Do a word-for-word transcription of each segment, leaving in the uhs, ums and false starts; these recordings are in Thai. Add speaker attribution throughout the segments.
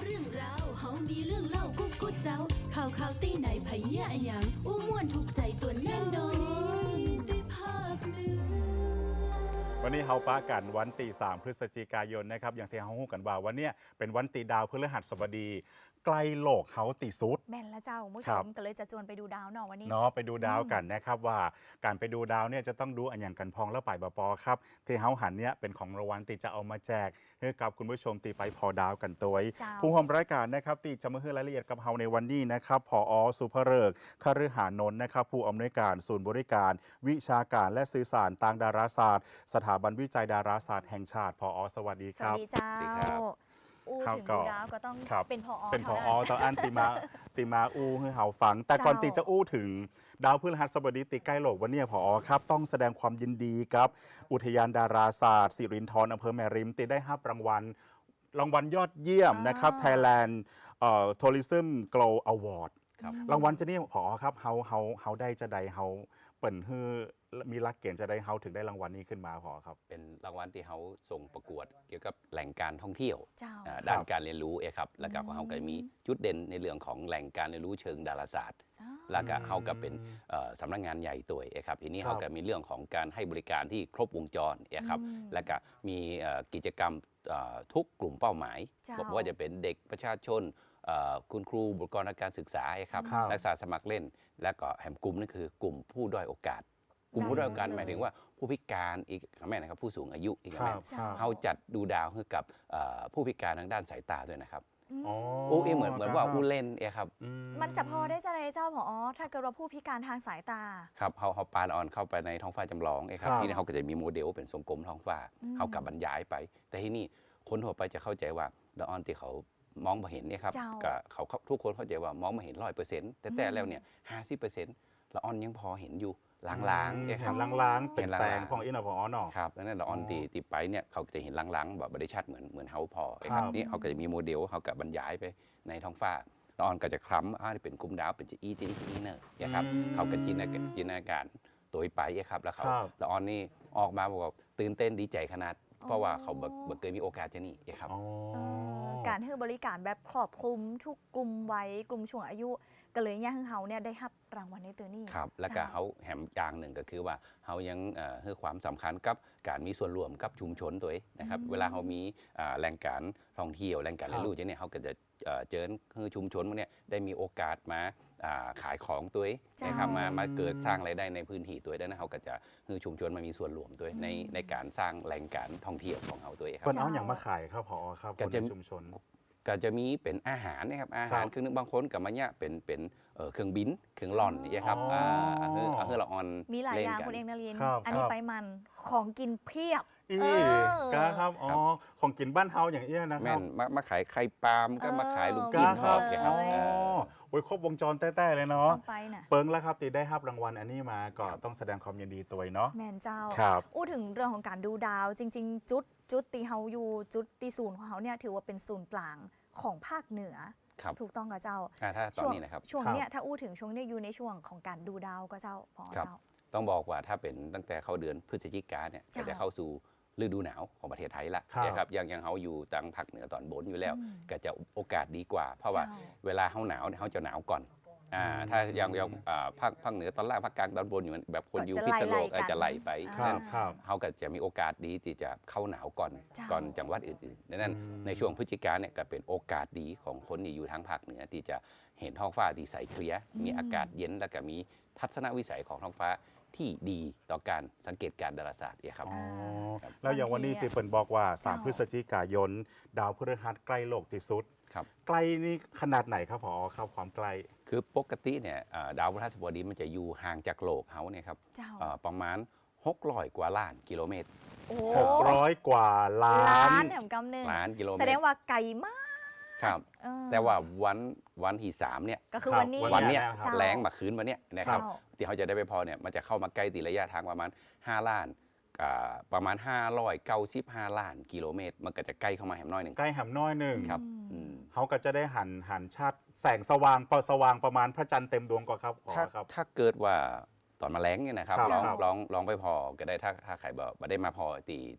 Speaker 1: เรื่องราวเฮามีเรื่องเล่ากุ๊กกุ๊กเจ้าข่าวข่าวตีไหนไผเนี่ยอะหยังอู้ม่วนถูกใจตัวแน่นอนได้ภาคเหนือ
Speaker 2: วันนี้เฮาป้ากันวันตีสามพฤศจิกายนนะครับอย่างที่เฮาฮู้กันว่าวันเนี้ยเป็นวันตีดาวพฤหัสบดีใกล้โลกเฮาตีสุด
Speaker 3: แม่นแล้วเจ้าผู้ช
Speaker 2: ครั
Speaker 3: ม
Speaker 2: บ
Speaker 3: ก็เลยจะชวนไปดูดาวเนาะวันนี้
Speaker 2: เนาะไปดูดาวกันนะครับว่าการไปดูดาวเนี่ยจะต้องดูอันอย่างกันพองและป่ายบปอครับที่เฮาหันเนี่ยเป็นของรางวัลตีจะเอามาแจกให้กับคุณผู้ชมตีไปพอดาวกันตัว
Speaker 3: เจ้า
Speaker 2: ผู้ร่วมรายการนะครับตีจะมาให้รายละเอียดกับเฮาในวันนี้นะครับผอสุภเริกษ์คฤหานนท์นะครับผู้อำนวยการศูนย์บริการ วิชาการและสื่อสารทางดาราศาสตร์ สถาบันวิจัยดาราศาสตร์แห่งชาติผอสวัสดี
Speaker 3: ส
Speaker 2: ค
Speaker 3: วั
Speaker 2: รั
Speaker 3: ส
Speaker 2: บ
Speaker 3: ดีเจ้า
Speaker 4: สวัสดีครับ
Speaker 3: อู้
Speaker 2: ครับ
Speaker 3: ถึง
Speaker 2: ก็
Speaker 3: ดูดาวก็ต้อง
Speaker 2: ครับ
Speaker 3: เป็นพอ
Speaker 2: เป็นพอ
Speaker 3: ท่า
Speaker 2: ตอนอันติมาติมาอู้ให้เฮาฟัง แต่ก่อน
Speaker 3: เจ้า
Speaker 2: ตีจะอู้ถึงดาวพฤหัสบดีติใกล้โลกวันนี้พอครับต้องแสดงความยินดีกับอุทยานดาราศาสตร์สิรินธรอำเภอแม่ริมติได้รับรางวัลรางวัลยอดเยี่ยมนะครับ Thailand เอ่อ Tourism Glow Award
Speaker 4: ครับ
Speaker 2: รางวัลจะนี่พอครับเฮาเฮาเฮาได้จะใดเฮาเปิ่นฮือมีรักเกณฑ์จะได้เฮาถึงได้รางวัลนี้ขึ้นมาพอครับ
Speaker 4: เป็นรางวัลที่เขาส่งประกวดเกี่ยวกับแหล่งการท่องเที่ยว
Speaker 3: เจ้า
Speaker 4: อ่าด้านการเรียนรู้เองครับแล้วก็ของเขาก็มีจุดเด่นในเรื่องของแหล่งการเรียนรู้เชิงดาราศาสตร์
Speaker 3: อ๋อ
Speaker 4: แล้วก็เขาก็เป็นเอ่อสำนักงานใหญ่ตัวเองครับทีนี้
Speaker 2: ครับ
Speaker 4: เขาก็มีเรื่องของการให้บริการที่ครบวงจรเองครับ
Speaker 3: อืม
Speaker 4: แล้วก็มีเอ่อกิจกรรมเอ่อทุกกลุ่มเป้าหมาย
Speaker 3: เจ้า
Speaker 4: บอกว่าจะเป็นเด็กประชาชนเอ่อคุณครูบุคลากรทางการศึกษาเองครับ
Speaker 2: ครับ
Speaker 4: นักศึกษาสมัครเล่น แล้วก็แหมกลุ่มนั่นคือกลุ่มผู้ด้อยโอกาส กลุ่มผู้ด้อยโอกาสหมายถึงว่าผู้พิการอีกแม่นะครับผู้สูงอายุอีก
Speaker 2: ครั
Speaker 4: แม่
Speaker 2: บครับ
Speaker 4: เขาจัดดูดาวให้กับเอ่อผู้พิการทางด้านสายตาด้วยนะครับ
Speaker 2: อ๋อ
Speaker 4: อู้เอยเหมือนเหมือนว่าอู้เล่นเอยครับ
Speaker 2: อื
Speaker 3: มันจะพอได้จะไรเจ้าพอถ้าเกิดว่าผู้พิการทางสายตา
Speaker 4: ครับเขาเขาปานออนเข้าไปในท้องฟ้าจำลองเอยครับ
Speaker 2: ครับ
Speaker 4: ที่นี่เขาก็จะมีโมเดลเป็นทรงกลมท้องฟ้า
Speaker 3: อืม
Speaker 4: เขากับบรรยายไป แต่ที่นี่คนทั่วไปจะเข้าใจว่าละออนที่เขามองไม่เห็นเนี่ยครับ
Speaker 3: เจ้า
Speaker 4: ก็เขาเขาทุกคนเข้าใจว่ามองไม่เห็นร้อยเปอร์เซ็นต์แต่แต่แล้วเนี่ยห้าสิบเปอร์เซ็นต์ละออนยังพอเห็นอยู่ลางๆเอยค
Speaker 2: เห็
Speaker 4: รับ
Speaker 2: นล้างๆเป็น
Speaker 4: เห็นลางๆ
Speaker 2: แสงของอินพอเนาะ
Speaker 4: ครับแล้วนั่นละออน
Speaker 2: อ๋อ
Speaker 4: ตีตีไปเนี่ยเขาจะเห็นลางๆแบบบริชัดเหมือนเหมือนเฮาพอ
Speaker 2: ครับ
Speaker 4: ครับนี่เขาก็จะมีโมเดลเขากับบรรยายไปในท้องฟ้าละออนก็จะคล้ำอ่านี่เป็นกลุ่มดาวเป็นจะอีจีอีเนอร์นะครับ
Speaker 2: อืม
Speaker 4: เขาก็จินตนาจินตนาการตัวไปครับแล้วเขา
Speaker 2: ครับ
Speaker 4: ละออนนี่ออกมาบอกว่าตื่นเต้นดีใจขนาด เพราะว่าเขาแบบเคยมีโอกาสจะนี่ครับ
Speaker 2: อ๋อ
Speaker 3: เออการให้บริการแบบครอบคลุมทุกกลุ่มวัยกลุ่มช่วงอายุก็เลยเนี่ยให้เขาเนี่ยได้รับรางวัลในตัวนี้
Speaker 4: ครับแล้วก็เขาแหมอย่างหนึ่งก็คือว่าเขายังเอ่อให้ความสำคัญกับการมีส่วนร่วมกับชุมชนตัวเองนะครับเวลาเขามีอ่าแหล่งการท่องเที่ยวแหล่งการเรียนรู้จะเนี่ยเขาก็จะเอ่อเจอคือชุมชนพวกเนี้ยได้มีโอกาสมาอ่าขายของตัวเองนะครับมามาเกิดสร้างรายได้ในพื้นที่ตัวเองนะเขาก็จะคือชุมชนมามีส่วนร่วมตัวเองในในการสร้างแหล่งการท่องเที่ยวของเขาตัวเองครั
Speaker 2: เปิ้
Speaker 4: บ
Speaker 2: นเอาอย่างมาขายครับพอครับค
Speaker 4: ก็
Speaker 2: น
Speaker 4: จะ
Speaker 2: ในชุมชน
Speaker 4: ก็จะมีเป็นอาหารนะครับอาหาร
Speaker 2: ครับ
Speaker 4: คือนึกบางคนกับมันเนี่ยเป็นเป็นเอ่อเครื่องบินเครื่องร่อนเนี่ยครับ
Speaker 2: อ๋ออ่
Speaker 4: าเฮือเฮือละออน
Speaker 3: มีหลาย
Speaker 4: เล่
Speaker 3: อน ย่าง
Speaker 4: กัน
Speaker 3: คุณเองนาริน
Speaker 2: ครับ
Speaker 3: อันนี้
Speaker 2: ครับ
Speaker 3: ไปมันของกินเพียบ
Speaker 2: อี
Speaker 3: เออ
Speaker 2: กาครับอ๋อของกินบ้านเฮาอย่างเอี้ยนะค
Speaker 4: แม่
Speaker 2: รับ
Speaker 4: นมามาขายไข่ปาล์มก็มาขายลูก
Speaker 2: กา
Speaker 4: กิ้ง
Speaker 2: ค
Speaker 4: ท
Speaker 2: รั
Speaker 4: อบ ดเนี่ยครับ
Speaker 3: เลย
Speaker 4: เออ
Speaker 2: โอ้ยครบวงจรแต้ๆเลยเนาะ
Speaker 3: ต้องไปน่ะ
Speaker 2: เปิงแล้วครับตีได้รับรางวัลอันนี้มาก็ต้องแสดงความยินดีตัวเนาะ
Speaker 3: แมนเจ้า
Speaker 2: ครับ
Speaker 3: อู้ถึงเรื่องของการดูดาว จริง ๆ จุดจุดตีเฮาอยู่จุดตีศูนย์ของเขาเนี่ยถือว่าเป็นศูนย์กลางของภาคเหนือ
Speaker 4: ครับ
Speaker 3: ถูกต้องกับเจ้า
Speaker 4: อ่าถ้าตอน
Speaker 3: ช่วง
Speaker 4: นี้นะครับ
Speaker 3: ช่วง
Speaker 2: ครับ
Speaker 3: เนี้ยถ้าอู้ถึงช่วงเนี้ยอยู่ในช่วงของการดูดาวก็เจ้าพอ
Speaker 4: ครับ
Speaker 3: เจ้า
Speaker 4: ต้องบอกว่าถ้าเป็นตั้งแต่เข้าเดือนพฤศจิกาเนี่ย
Speaker 3: จ้ะ
Speaker 4: ก็จะเข้าสู่ฤดูหนาวของประเทศไทยละ
Speaker 2: ครับ
Speaker 4: นะครับยังยังเขาอยู่ทางภาคเหนือตอนบนอยู่แล้ว
Speaker 3: อืม
Speaker 4: ก็จะโอกาสดีกว่า เพราะว่า
Speaker 3: เจ้า
Speaker 4: เวลาเขาหนาวเนี่ยเขาจะหนาวก่อนอ่าถ้ายังยังอ่าภาคภาคเหนือตอนล่างภาคกลางตอนบนอยู่แบบคนอยู่
Speaker 3: ก็
Speaker 4: พิ
Speaker 3: จะ
Speaker 4: ษณุโลก
Speaker 3: ไล่ๆกัน
Speaker 4: อาจจะไล่ไป
Speaker 2: ครั
Speaker 4: นั่
Speaker 2: บ
Speaker 4: น
Speaker 2: ครับ
Speaker 4: เขาก็จะมีโอกาสดีที่จะเข้าหนาวก่อน
Speaker 3: เจ้า
Speaker 4: ก่อนจังหวัดอื่นๆดังนั้น
Speaker 2: อืม
Speaker 4: ในช่วงพฤศจิกาเนี่ยก็เป็นโอกาสดีของคนที่อยู่ทางภาคเหนือที่จะเห็นท้องฟ้าที่ใสเคลียร์มีอากาศเย็นแล้วก็มีทัศนวิสัยของท้องฟ้าที่ดีต่อการสังเกตการณ์ดาราศาสตร์เนี่ยครับ
Speaker 2: อ๋อ
Speaker 3: ครับ
Speaker 2: แล้วอย่างวันนี้
Speaker 3: บางที
Speaker 2: ตีเปิ่นบอกว่าสาม
Speaker 3: เจ้า
Speaker 2: พฤศจิกายน ดาวพฤหัสใกล้โลกที่สุด
Speaker 4: ครับ
Speaker 2: ใกล้นี่ขนาดไหนครับพอครับความใกล้
Speaker 4: คือปกติเนี่ยอ่าดาวพฤหัสบดีมันจะอยู่ห่างจากโลกเขาเนี่ยครับ
Speaker 3: เจ้า
Speaker 4: อ่าประมาณหกร้อยกว่าล้านกิโลเมตร
Speaker 3: โอ้
Speaker 2: หกร้อยกว่าล้า
Speaker 3: ล้าน นแถมกำหนึ่ง
Speaker 4: ล้านกิโลเมตร
Speaker 3: แสดงว่าไกลมาก
Speaker 4: ครับ
Speaker 3: เออ
Speaker 4: แต่ว่าวันวันที่สามเนี่ย
Speaker 3: ก็คือ
Speaker 2: ครับ
Speaker 3: วันนี้
Speaker 4: วันเนี้ย
Speaker 2: เจ้า
Speaker 4: แรงมาคืนวันเนี้ยนะครับ
Speaker 3: เจ้า
Speaker 4: ที่เขาจะได้ไปพอเนี่ยมันจะเข้ามาใกล้ตีระยะทางประมาณห้าล้านอ่าประมาณห้าร้อยเก้าสิบห้าล้านกิโลเมตร มันก็จะใกล้เข้ามาแหมน้อยหนึ่ง
Speaker 2: ใกล้หำน้อยหนึ่ง
Speaker 4: ครับ
Speaker 3: อืม
Speaker 4: อืม
Speaker 2: เขาก็จะได้หันหันชาติแสงสว่างเปสว่างประมาณพระจันทร์เต็มดวงกว่าครับพอ
Speaker 4: ถ้า
Speaker 2: ครับ
Speaker 4: ถ้าเกิดว่าตอนมาแรงเนี่ยนะครับ
Speaker 2: ครับ
Speaker 4: ลอง
Speaker 2: ครับ
Speaker 4: ลองลองไปพอก็ได้ถ้าถ้าใครบอกมาได้มาพอตีตี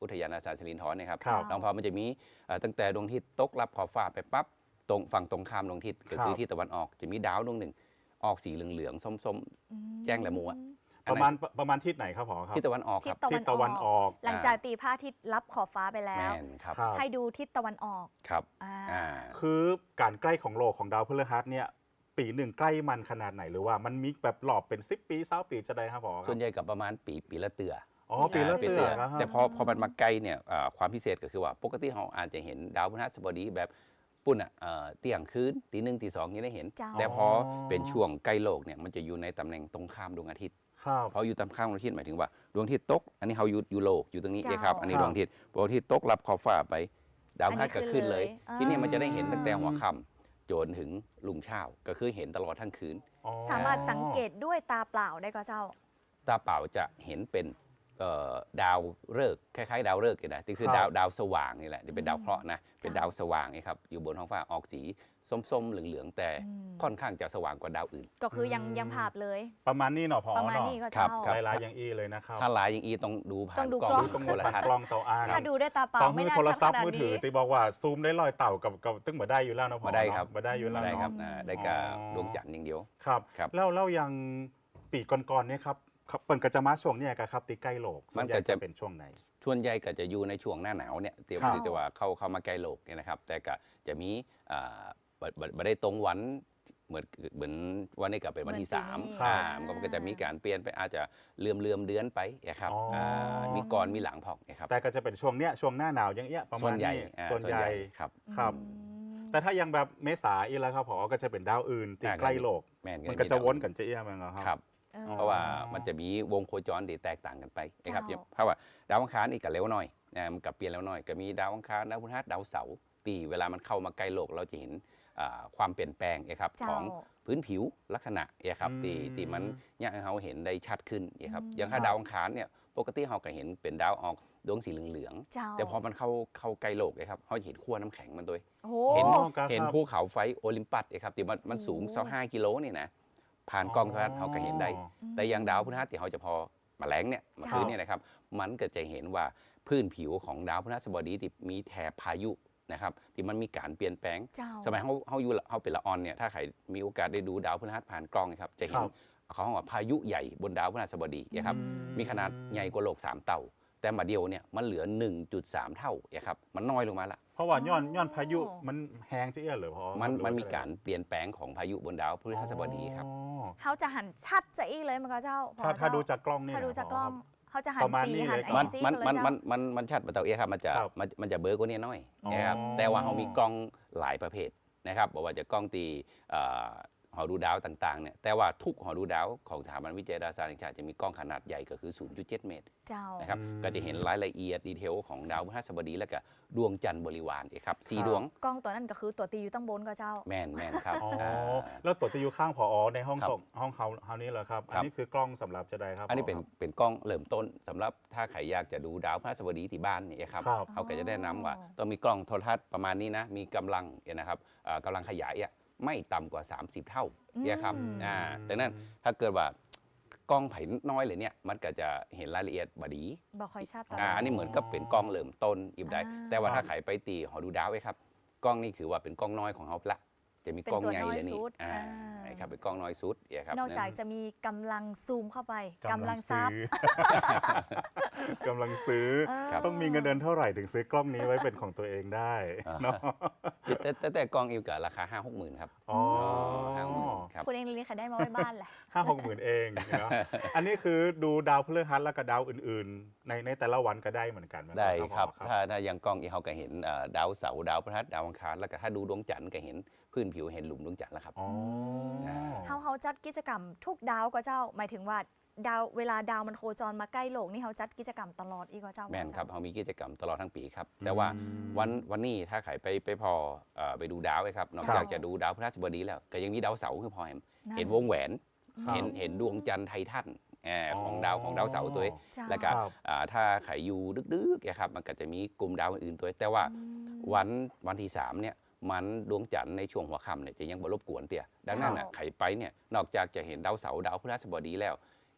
Speaker 4: อุทยานราชาสิรินธรเนี่ยครับ
Speaker 2: ครับ
Speaker 4: หลวงพ่อมันจะมีเอ่อตั้งแต่ดวงอาทิตย์ตกรับขอบฟ้าไปปั๊บตรงฝั่งตรงข้ามดวงอาทิตย์ก็คือ
Speaker 2: ครับ
Speaker 4: ทิศตะวันออกจะมีดาวดวงหนึ่งออกสีเหลืองๆส้ม
Speaker 3: อืม
Speaker 4: แจ้งแหลมหมูอะ
Speaker 2: ๆ ประมาณประมาณทิศไหนครับผอครับ
Speaker 4: ๆทิศตะวันออก
Speaker 3: ทิ
Speaker 4: ค
Speaker 3: ศ
Speaker 4: รับ
Speaker 3: ตะ
Speaker 2: ทิศตะวันออก
Speaker 3: หลังจากตีพระอาทิตย์รับขอบฟ้าไปแล้
Speaker 4: แม่
Speaker 3: ว
Speaker 4: นครับ
Speaker 2: ครับ
Speaker 3: ให้ดูทิศตะวันออก
Speaker 4: ครับ
Speaker 3: อ่า
Speaker 4: อ่า
Speaker 2: คือการใกล้ของโลกของดาวพฤหัสเนี่ยปีหนึ่งใกล้มันขนาดไหนหรือว่ามันมีแบบหลอบเป็นสิบปีเศร้าปีจะได้ครับผอครั
Speaker 4: ส่ว
Speaker 2: บ
Speaker 4: นใหญ่กับประมาณปีปีละเตือ
Speaker 2: อ๋อปีละ
Speaker 4: า
Speaker 2: เตือนนะครับ
Speaker 4: แต่พอพอมันมาใกล้เนี่ยเอ่อความพิเศษก็คือว่าปกติเราอาจจะเห็นดาวพฤหัสบดีแบบปุ่นอ่ะเอ่อเที่ยงคืนตีหนึ่งตีสองยังได้เห็น
Speaker 3: เจ้า
Speaker 4: แต่พอเป็นช่วงใกล้โลกเนี่ยมันจะอยู่ในตำแหน่งตรงข้ามดวงอาทิตย์
Speaker 2: ครับ
Speaker 4: พออยู่ตรงข้ามดวงอาทิตย์หมายถึงว่าดวงอาทิตย์ตก อันนี้เขาอยู่อยู่โลกอยู่ตรงนี้
Speaker 3: เจ้า
Speaker 4: นะครับอันนี้
Speaker 2: ครับ
Speaker 4: ดวงอาทิตย์พอดวงอาทิตย์ตกรับขอบฟ้าไป ดาวพฤหัสก็ขึ้นเลย
Speaker 3: อันนี้ขึ้นเลย
Speaker 4: ทีนี้มันจะได้เห็น
Speaker 3: อ่า
Speaker 4: ตั้งแต่หัวค่ำจนถึงรุ่งเช้าก็คือเห็นตลอดทั้งคืน
Speaker 2: อ๋อ
Speaker 3: สามารถสังเกตด้วยตาเปล่าได้ก็เจ้า
Speaker 4: ตาเปล่าจะเห็นเป็นเอ่อดาวฤกษ์คล้ายๆ ดาวฤกษ์นี่แหละที่คือ
Speaker 2: ครับ
Speaker 4: ดาวดาวสว่างนี่แหละจะเป็นดาวเคราะห์นะเป็น
Speaker 3: จ้ะ
Speaker 4: ดาวสว่างนี่ครับอยู่บนท้องฟ้าออกสีส้มๆเหลืองๆแต่
Speaker 3: อืม
Speaker 4: ค่อนข้างจะสว่างกว่าดาวอื่น
Speaker 3: ก็คือยัง
Speaker 2: อืม
Speaker 3: ยังภาพเลย
Speaker 2: ประมาณนี้เนาะผอ
Speaker 3: ประมาณ
Speaker 2: เนาะ
Speaker 3: นี้ก็
Speaker 4: ครั
Speaker 3: เจ้า
Speaker 4: บครับ
Speaker 2: ลายลายอย่างอีเลยนะครับ
Speaker 4: ถ้าลายอย่างอีต้องดูผ่า
Speaker 3: ต้อน งดู
Speaker 4: กล้อง
Speaker 3: กล้อง
Speaker 2: ต้อง
Speaker 4: โทรทัศน์
Speaker 2: กล้องเตาอ้าง
Speaker 3: ถ้าดูด้วยตาเปล่า
Speaker 2: ต้อง
Speaker 3: ไม่
Speaker 2: มือ
Speaker 3: น่า
Speaker 2: โทร
Speaker 3: ชัด
Speaker 2: ศั
Speaker 3: ข
Speaker 2: พท์
Speaker 3: นาด
Speaker 2: มือถื
Speaker 3: นี้
Speaker 2: อตีบอกว่าซูมได้ลอยเต่ากับกับตึ้งมาได้อยู่แล้วเนาะผอ
Speaker 4: มาได้ครับ
Speaker 2: เนาะมาได้อยู่แล้ว
Speaker 4: ได้ครับ
Speaker 2: เนาะ
Speaker 4: อ่าได้กับ
Speaker 2: อ๋อ
Speaker 4: ดวงจันทร์อย่างเดียว
Speaker 2: ครับ
Speaker 4: ครับ
Speaker 2: แล้วแล้วยังปีก่อนๆเนี่ยครับครับเปิดกระจะมาช่วงเนี่ยครับตีใกล้โลกส่วนใหญ่จะเป็นช่วงไหน
Speaker 4: ส่วนใหญ่ก็จะอยู่ในช่วงหน้าหนาวเนี่ยเตรียม
Speaker 2: ครับ
Speaker 4: ที่จะว่าเข้าเข้ามาใกล้โลกเนี่ยนะครับ แต่ก็จะมีอ่าบ่บ่บ่ได้ตรงวันเหมือนเหมือนวันนี้ก็เป็นวันที่
Speaker 3: เหมือนปี
Speaker 4: สาม
Speaker 3: นี้
Speaker 4: อ่า
Speaker 3: ครับ
Speaker 4: มันก็จะมีการเปลี่ยนไปอาจจะเลื่อมเลื่อมเดือนไปนะครับ
Speaker 2: อ๋ออ่
Speaker 4: ามีก่อนมีหลังพอกนะครับ
Speaker 2: แต่ก็จะเป็นช่วงเนี้ยช่วงหน้าหนาวอย่างเงี้ยประ
Speaker 4: ส่
Speaker 2: มา
Speaker 4: ว
Speaker 2: ณ
Speaker 4: นใหญ่
Speaker 2: นี้
Speaker 4: อ่า
Speaker 2: ส่วนใหญ่
Speaker 4: ครับ
Speaker 2: ครับ
Speaker 3: อืม
Speaker 2: แต่ถ้ายังแบบเมษาอีกแล้วครับผอก็จะเป็นดาวอื่นตี
Speaker 4: อ่า
Speaker 2: ใกล้โลก
Speaker 4: แม่น
Speaker 2: มันก็จะวนกันจะเอี้ยมันเหรอค
Speaker 4: ค
Speaker 2: รั
Speaker 4: รับ บ
Speaker 3: ออ
Speaker 4: เพราะว่ามันจะมีวงโคจรที่แตกต่างกันไปนะครับ
Speaker 3: เจ้า
Speaker 4: เพราะว่าดาวอังคารนี่ก็เร็วหน่อยนะมันก็เปลี่ยนเร็วหน่อย ก็มีดาวอังคารดาวพฤหัสดาวเสาร์ปีเวลามันเข้ามาใกล้โลกเราจะเห็นอ่าความเปลี่ยนแปลงนะครับ
Speaker 3: เจ้า
Speaker 4: ของพื้นผิวลักษณะนะครับ
Speaker 2: อืม
Speaker 4: ที่ที่มันอยากให้เราเห็นได้ชัดขึ้นนะครับ
Speaker 3: อืม
Speaker 4: อย่างถ้าดาวอังคารเนี่ยปกติเราก็เห็นเป็นดาวออกดวงสีเหลือง
Speaker 3: เจ้า
Speaker 4: ๆแต่พอมันเข้าเข้าใกล้โลกนะครับเราจะเห็นขั้วน้ำแข็งมันด้วย
Speaker 3: โอ้โห
Speaker 4: เห็น
Speaker 2: อ๋อครับ
Speaker 4: เห็นภูเขาไฟโอลิมปัสนะครับที่มันมันสูง
Speaker 3: โอ้
Speaker 4: สักห้ากิโลนี่นะผ่านกล้องโทรทัศน์เราก็เห็นได้ แต่อย่างดาวพฤหัสที่เขาจะพอมาแรงเนี่ยมา
Speaker 3: จ้า
Speaker 4: คืนเนี่ยนะครับ มันก็จะเห็นว่าพื้นผิวของดาวพฤหัสบดีที่มีแถบพายุนะครับที่มันมีการเปลี่ยนแปลง
Speaker 3: เจ้า
Speaker 4: สมัยเขาเขาอยู่เขาเป็นละออนเนี่ยถ้าใครมีโอกาสได้ดูดาวพฤหัสผ่านกล้องนะครับจะเห็น
Speaker 2: ครับ
Speaker 4: เขาเรียกว่าพายุใหญ่บนดาวพฤหัสบดีนะครับ
Speaker 2: อืม
Speaker 4: มีขนาดใหญ่กว่าโลกสามเท่าแต่มาเดียวเนี่ยมันเหลือ หนึ่งจุดสาม เท่านะครับมันน้อยลงมาละ
Speaker 2: เพราะว่าย้อน
Speaker 3: อ๋อ
Speaker 2: ย้อนพายุมันแห้งจะเอี้ยเหรือพอ
Speaker 4: มัน
Speaker 2: หรือว่
Speaker 4: มันมี
Speaker 2: จะ
Speaker 4: การเปลี่ยนแปลงของพายุบนดาวพฤหัสบดีครับ
Speaker 2: อ๋อ
Speaker 3: เขาจะหันชัดจะอีเลยมันก็เจ้าพอ
Speaker 2: ถ้าถ้า
Speaker 3: เจ้
Speaker 2: ดูจากกล้องนี่
Speaker 3: ถ้าดู
Speaker 2: นะ
Speaker 3: จากกล้อง
Speaker 2: ครับ
Speaker 3: เขาจะหัน
Speaker 2: ประมาณ
Speaker 3: สี
Speaker 2: นี้
Speaker 3: หัน
Speaker 2: เลย
Speaker 3: ไอ
Speaker 2: ครับ
Speaker 3: จี
Speaker 4: มัน
Speaker 3: เลย
Speaker 4: มัน
Speaker 3: เจ้า
Speaker 4: มันมันมันชัดประเตาเอะครับมันจะ
Speaker 2: ครับ
Speaker 4: มันมันจะเบลอกว่านี้น้อย
Speaker 2: อ๋อ
Speaker 4: นะครับแต่ว่าเขามีกล้องหลายประเภทนะครับบอกว่าจะกล้องตีเอ่อหอดูดาวต่างๆเนี่ยแต่ว่าทุกหอดูดาวของสถาบันวิจัยดาราศาสตร์แห่งชาติจะมีกล้องขนาดใหญ่ก็คือ ศูนย์จุดเจ็ด เมตร
Speaker 3: เจ้า
Speaker 4: นะครับ
Speaker 2: อืม
Speaker 4: ก็จะเห็นรายละเอียดดีเทลของดาวพฤหัสบดีและก็ดวงจันทร์บริวารนะครับสี่
Speaker 2: ครับ
Speaker 4: ดวง
Speaker 3: กล้องตัวนั้นก็คือตัวตีอยู่ตั้งบนก็เจ้า
Speaker 4: แมนแมนครับ
Speaker 2: อ๋อ
Speaker 4: อ่า
Speaker 2: แล้วตัวที่อยู่ข้างผอในห้อง
Speaker 4: ครับ
Speaker 2: ส่งห้องเขาเฮานี้เหรอครับ
Speaker 4: ครับ
Speaker 2: อันนี้คือกล้องสำหรับจะได้ครับ
Speaker 4: อันนี้เป็น
Speaker 2: ผครับ
Speaker 4: เป็นกล้องเริ่มต้นสำหรับถ้าใครอยากจะดูดาวพฤหัสบดีที่บ้านเนี่ยครับ
Speaker 2: ครับ
Speaker 4: เขาก็จะแนะนำว่า
Speaker 3: อ๋อ
Speaker 4: ต้องมีกล้องโทรทัศน์ประมาณนี้นะ มีกำลังเนี่ยนะครับเอ่อกำลังขยายอ่ะไม่ต่ำกว่า สามสิบ เท่าเนี่ยครับ
Speaker 3: อืม
Speaker 4: อ่าดังนั้นถ้าเกิดว่ากล้องไผ่น้อยเลยเนี่ยมันก็จะเห็นรายละเอียดบดี
Speaker 3: บอกคอยชัดตล
Speaker 4: อ่า
Speaker 3: อด
Speaker 4: อันนี้เหมือนกับเป็นกล้องเริ่มต้นอีกได้
Speaker 3: อ่า
Speaker 4: แต่ว่า
Speaker 2: ครั
Speaker 4: ถ้า
Speaker 2: บ
Speaker 4: ใครไปตีหอดูดาวไว้ครับกล้องนี่คือว่าเป็นกล้องน้อยของเขาละจะมีกล้องใหญ่เลยนี่อ่าใช่ครับเป็นกล้องน้อยสุดเนี่ยครับ
Speaker 3: นอกจากจะมีกำลังซูมเข้าไปกำ
Speaker 2: กำ
Speaker 3: ลั
Speaker 2: ลั
Speaker 3: ง
Speaker 2: ง
Speaker 3: ซั
Speaker 2: ซื้
Speaker 3: บ
Speaker 2: อกำลังซื้อ
Speaker 3: เออ
Speaker 4: ครับ
Speaker 2: ต้องมีเงินเดือนเท่าไหร่ถึงซื้อกล้องนี้ไว้เป็นของตัวเองได้
Speaker 4: อ่า
Speaker 2: เนาะ
Speaker 4: แต่แต่แต่กล้องอีกกับราคาห้าหกหมื่นครับ
Speaker 2: อ๋อ
Speaker 4: ห้าหกหมื่นครับ
Speaker 3: คุณเองเลยค่ะได้มาไว้บ้านแหละ
Speaker 2: ห้าหกหมื่นเองเนาะอันนี้คือดูดาวพฤหัสแล้วก็ดาวอื่นๆ ในในแต่ละวันก็ได้เหมือนกันหม
Speaker 4: ได้ครับ
Speaker 2: ผอ
Speaker 4: ถ้าถ้ายังกล้องอีเขาก็เห็นเอ่อดาวเสาร์ดาวพฤหัสดาวอังคารแล้วก็ถ้าดูดวงจันทร์ก็เห็นพื้นผิวเห็นหลุมดวงจันทร์แล้วครับ
Speaker 2: อ๋อ
Speaker 3: เฮาเฮาจัดกิจกรรมทุกดาวก็เจ้า หมายถึงว่าดาวเวลาดาวมันโคจรมาใกล้โลกนี่เฮาจัดกิจกรรมตลอดอีกก็เจ้า
Speaker 4: แม่นครับเขามีกิจกรรมตลอดทั้งปีครับ แต่ว่า
Speaker 2: อืม
Speaker 4: วันวันนี้ถ้าใครไปไปพอเอ่อไปดูดาวไว้ครับ นอกจากจะดูดาวพฤหัสบดีแล้ว ก็ยังมีดาวเสาร์คือพอเห็นเห็นวงแหวน
Speaker 2: ครับ
Speaker 4: เห็นเห็นดวงจันทร์ไททันเอ่อของดาวของดาวเสาร์ตัวเอง
Speaker 3: เจ้า
Speaker 4: แล้วก็
Speaker 2: ครับ
Speaker 4: อ่าถ้าใครอยู่ดึกๆนะครับมันก็จะมีกลุ่มดาวอื่นๆตัวเองแต่ว่า
Speaker 3: อืม
Speaker 4: วันวันที่สามเนี่ยมันดวงจันทร์ในช่วงหัวค่ำเนี่ยจะยังบ่รบกวนเตี่ยดังนั้นน่ะ
Speaker 3: เจ้า
Speaker 4: ไขไปเนี่ยนอกจากจะเห็นดาวเสาร์ดาวพฤหัสบดีแล้ว